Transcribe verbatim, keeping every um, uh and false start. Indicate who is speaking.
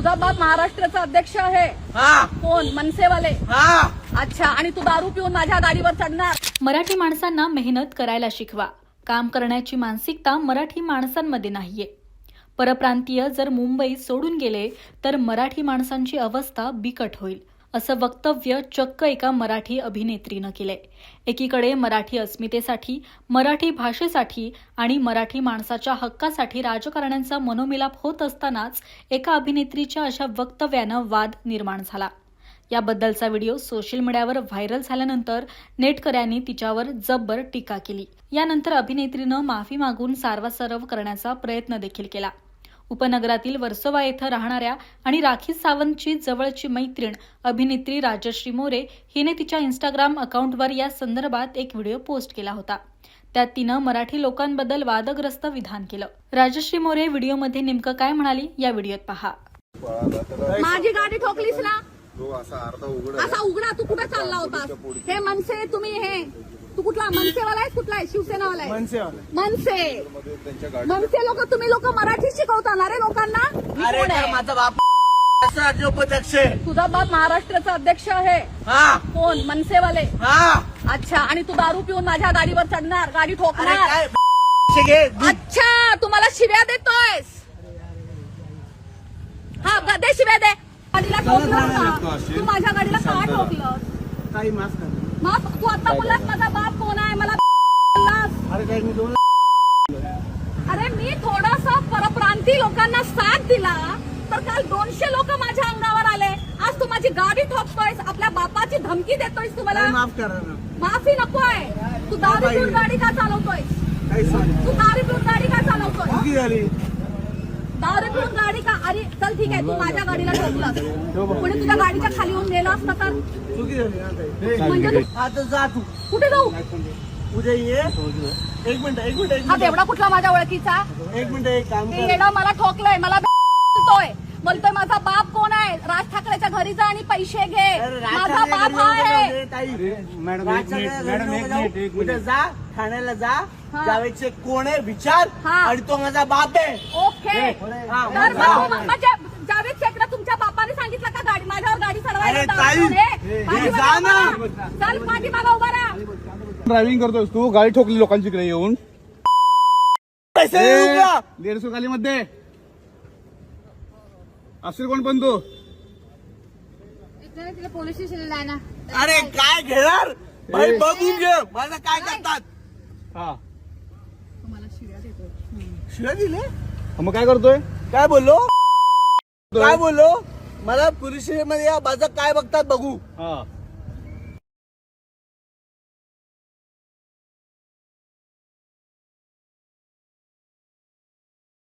Speaker 1: तुझा बाप महाराष्ट्राचा अध्यक्ष आहे.
Speaker 2: हा
Speaker 1: कोण? मनसेवाले.
Speaker 2: हा
Speaker 1: अच्छा. आणि तू दारू पिऊन माझ्या गाडीवर चढणार?
Speaker 3: मराठी माणसांना मेहनत करायला शिकवा. काम करण्याची मानसिकता मराठी माणसांमध्ये नाहीये. परप्रांतीय जर मुंबई सोडून गेले तर मराठी माणसांची अवस्था बिकट होईल, असं वक्तव्य चक्क एका मराठी अभिनेत्रीनं केलंय. एकीकडे मराठी अस्मितेसाठी, मराठी भाषेसाठी आणि मराठी माणसाच्या हक्कासाठी राजकारण्यांचा मनोमिलाप होत असतानाच एका अभिनेत्रीच्या अशा वक्तव्यानं वाद निर्माण झाला. याबद्दलचा व्हिडिओ सोशल मीडियावर व्हायरल झाल्यानंतर नेटकऱ्यांनी तिच्यावर जब्बर टीका केली. यानंतर अभिनेत्रीनं माफी मागून सारवासारव करण्याचा प्रयत्न देखील केला. उपनगरातील वर्सोवा येथे राहणाऱ्या आणि राखी सावंतची जवळची मैत्रीण अभिनेत्री राजश्री मोरे हिने तिच्या इंस्टाग्राम अकाउंटवर या संदर्भात एक व्हिडिओ पोस्ट केला होता. त्यात तिनं मराठी लोकांबद्दल वादग्रस्त विधान केलं. राजश्री मोरे व्हिडिओमध्ये नेमकं काय म्हणाली या व्हिडिओत पहा.
Speaker 1: माझी गाडी ठोकलीस ना?
Speaker 4: तो असा अर्धा उघडा
Speaker 1: असा उघडा. तू कुठे चालला होतास? हे मनसे तुम्ही हे तू कुठला मनसेवाला आहेस? कुठला आहे? शिवसेनावाला आहे? मनसे. मनसे लोक तुम्ही लोक मराठी शिकवता ना रे लोकांना?
Speaker 2: अरे
Speaker 1: कोण
Speaker 2: तर
Speaker 1: आहे?
Speaker 2: माझा बाप राज्योपाध्यक्ष आहे.
Speaker 1: तुझा बाप महाराष्ट्राचा अध्यक्ष आहे.
Speaker 2: हा
Speaker 1: कोण? मनसेवाले.
Speaker 2: हा
Speaker 1: अच्छा. आणि तू दारू पिऊन माझ्या गाडीवर चढणार? गाडी
Speaker 2: अरे
Speaker 1: ठोकणार?
Speaker 2: काय घे दूध.
Speaker 1: अच्छा. तुम्हाला शिव्या देतोयस? हा दे शिव्या दे. गाडीला ठोकलं का? तू माझ्या गाडीला का ठोकलं?
Speaker 2: काही माफ कर.
Speaker 1: मग तू आता बोललास माझा बाप कोण आहे? मला बोललास.
Speaker 2: अरे काय मी दोन
Speaker 1: अरे मी थोडासा परप्रांती लोकांना साथ दिला तर काल दोनशे लोक माझ्या अंगावर आले. आज तू माझी गाडी ठोकतोयस, आपल्या बापाची धमकी देतोयस. तुम्हाला
Speaker 2: माफ करा ना.
Speaker 1: माफी नकोय. तू दारू पिऊन गाडी का चालवतोयस?
Speaker 2: काही सांग
Speaker 1: तू दारू पिऊन गाडी का चालवतोय?
Speaker 2: चुकी झाली.
Speaker 1: दारू पिऊन गाडी का? अरे चल ठीक आहे, तू माझ्या गाडीला ठोकलास. कोणी तुझ्या गाडीच्या खाली येऊन गेलं असतं तर?
Speaker 2: चुकी झाली ना ताई.
Speaker 1: म्हणजे तू
Speaker 2: आता जा तू
Speaker 1: कुठे जाऊ?
Speaker 2: उद्या ये. एक मिनिट एक मिनिट एक
Speaker 1: हा
Speaker 2: मिनिट
Speaker 1: तेवढा कुठला माझ्या ओळखीचा?
Speaker 2: एक मिनिट एक काम
Speaker 1: ते
Speaker 2: कर.
Speaker 1: येणं मला ठोकलंय. मला बोलतोय बोलतोय माझा बाप कोण आहे? राज ठाकरेच्या घरी जा आणि पैसे घे.
Speaker 2: अरे
Speaker 1: माझा बाप हा आहे.
Speaker 2: मॅडम मॅडम एक मिनिट एक मिनिट जा ठाण्याला जा.
Speaker 1: हा.
Speaker 2: जावेदचे कोण आहे विचार.
Speaker 1: हा.
Speaker 2: आणि तो माझा बाप आहे.
Speaker 1: ओके.
Speaker 2: हा,
Speaker 1: तर
Speaker 2: जा.
Speaker 1: मग तू- म्हणजे जावेद शेखला तुमच्या बापाने सांगितलं का गाडी माझ्यावर गाडी चढवायला?
Speaker 2: अरे
Speaker 1: दारू
Speaker 2: ताई,
Speaker 1: पिऊन ये.
Speaker 2: हे,
Speaker 1: पाठीमागे
Speaker 2: जा ना.
Speaker 1: उभा राहा. चल पाठीमागे उभा राहा.
Speaker 4: ड्रायव्हिंग करतोस तू, गाडी ठोकली लोकांची इकडे येऊन.
Speaker 2: पैसे देऊ का?
Speaker 4: दीडशे खाली मध्ये असेल कोण पण तू.
Speaker 1: पोलीस स्टेशनला आहे ना.
Speaker 2: अरे काय घेणार भाई बघून घे माझं काय करतात.
Speaker 4: हा
Speaker 2: शिव्या दिले.
Speaker 4: मग काय करतोय?
Speaker 2: काय बोललो काय बोललो मला पोलीस स्टेशन मध्ये या माझं काय बघतात बघू.
Speaker 4: हा